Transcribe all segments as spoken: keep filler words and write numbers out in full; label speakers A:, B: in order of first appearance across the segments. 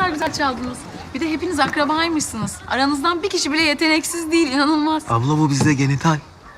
A: kadar güzel çaldınız. Bir de hepiniz akrabaymışsınız. Aranızdan bir kişi bile yeteneksiz değil, inanılmaz.
B: Abla bu bizde genital.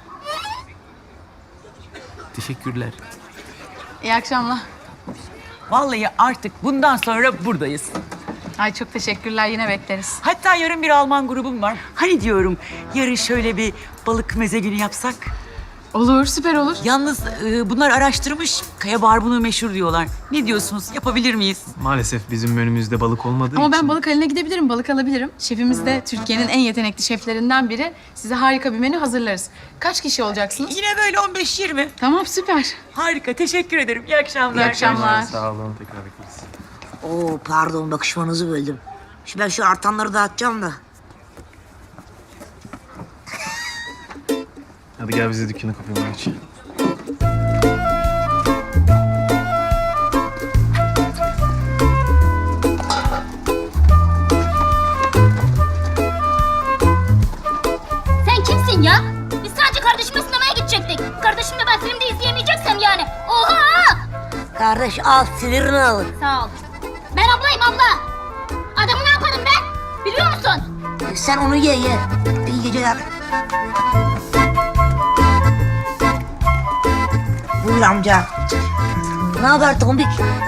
B: Teşekkürler.
A: İyi akşamlar.
C: Vallahi artık bundan sonra buradayız.
A: Ay çok teşekkürler, yine bekleriz.
C: Hatta yarın bir Alman grubum var. Hani diyorum yarın şöyle bir balık meze günü yapsak.
A: Olur, süper olur.
C: Yalnız e, bunlar araştırmış. Kaya barbunu meşhur diyorlar. Ne diyorsunuz? Yapabilir miyiz?
B: Maalesef bizim menümüzde balık olmadığı
A: Ama
B: için.
A: ben balık haline gidebilirim, balık alabilirim. Şefimiz de Türkiye'nin en yetenekli şeflerinden biri. Size harika bir menü hazırlarız. Kaç kişi olacaksınız?
C: Yine böyle on beş yirmi.
A: Tamam, süper.
C: Harika. Teşekkür ederim. İyi akşamlar.
A: İyi akşamlar.
B: Sağ olun, tekrar bekleriz.
D: Oo pardon bakışmanızı böldüm. Şimdi ben şu artanları dağıtacağım da.
B: Hadi gel bize dükkanı kapayalım aç.
E: Sen kimsin ya? Biz sadece kardeşimle sinemaya gidecektik. Kardeşimle ben filmde izleyemeyeceksem yani. Oha!
D: Kardeş al sinirini alın.
E: Sağ ol. Ben ablayım abla. Adamı ne yaparım ben? Biliyor musun?
D: E, Sen onu ye ye. İyi geceler. Buyur amca. Ne haber tombik?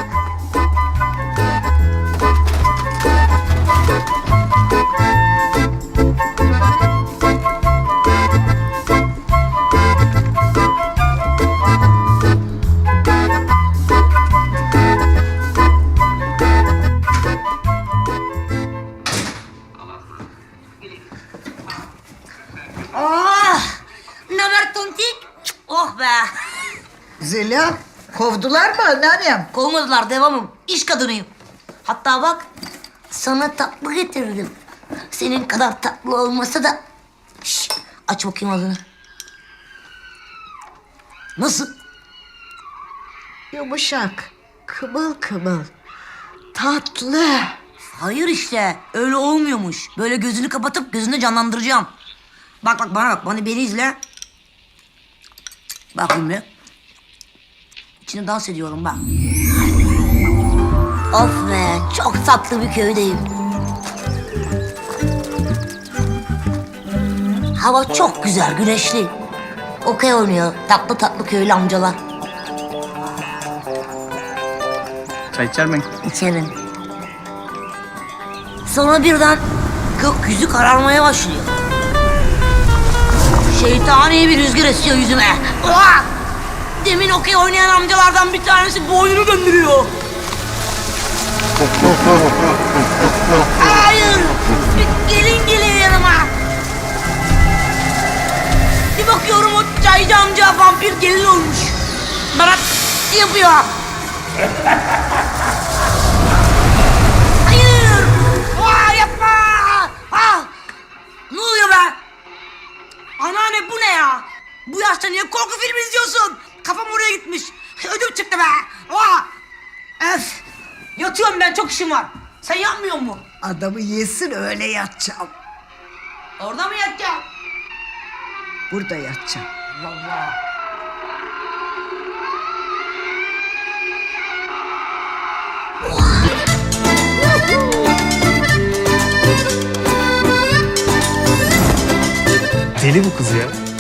D: Oh! Ne haber tontik? Oh be!
F: Zeliha, kovdular mı anneannem?
D: Kovmadılar, devamım. İş kadınıyım. Hatta bak, sana tatlı getirdim. Senin kadar tatlı olmasa da... Şş, aç bakayım ağzını. Nasıl?
F: Yumuşak, kımıl kımıl, tatlı.
D: Hayır işte, öyle olmuyormuş. Böyle gözünü kapatıp gözünü canlandıracağım. Bak bak bana bak, bana beni izle. Bak şimdi. İçinde dans ediyorum bak. Of be, çok tatlı bir köydeyim. Hava çok güzel, güneşli. Okey oynuyor tatlı tatlı köylü amcalar.
B: Çay içer mi?
D: İçerim. Sonra birden gökyüzü kararmaya başlıyor. Şeytani bir rüzgar esiyor yüzüme. Ulan! Demin okey oynayan amcalardan bir tanesi boynunu döndürüyor. Hayır! Bir gelin geliyor yanıma. Bir bakıyorum o çaycı amca vampir gelin olmuş. Bana yapıyor. Hayır! Aa, yapma! Ah! Ne oluyor be? Anneanne bu ne ya? Bu yaşta niye korku filmi izliyorsun? Kafam oraya gitmiş. Ödüm çıktı be. Aa! Öf! Yatıyorum ben, çok işim var. Sen yapmıyor musun?
F: Adamı yesin öyle yatacağım.
D: Orada mı yatacağım?
F: Burada yatacağım.
D: Vallahi.
B: Deli bu kız ya.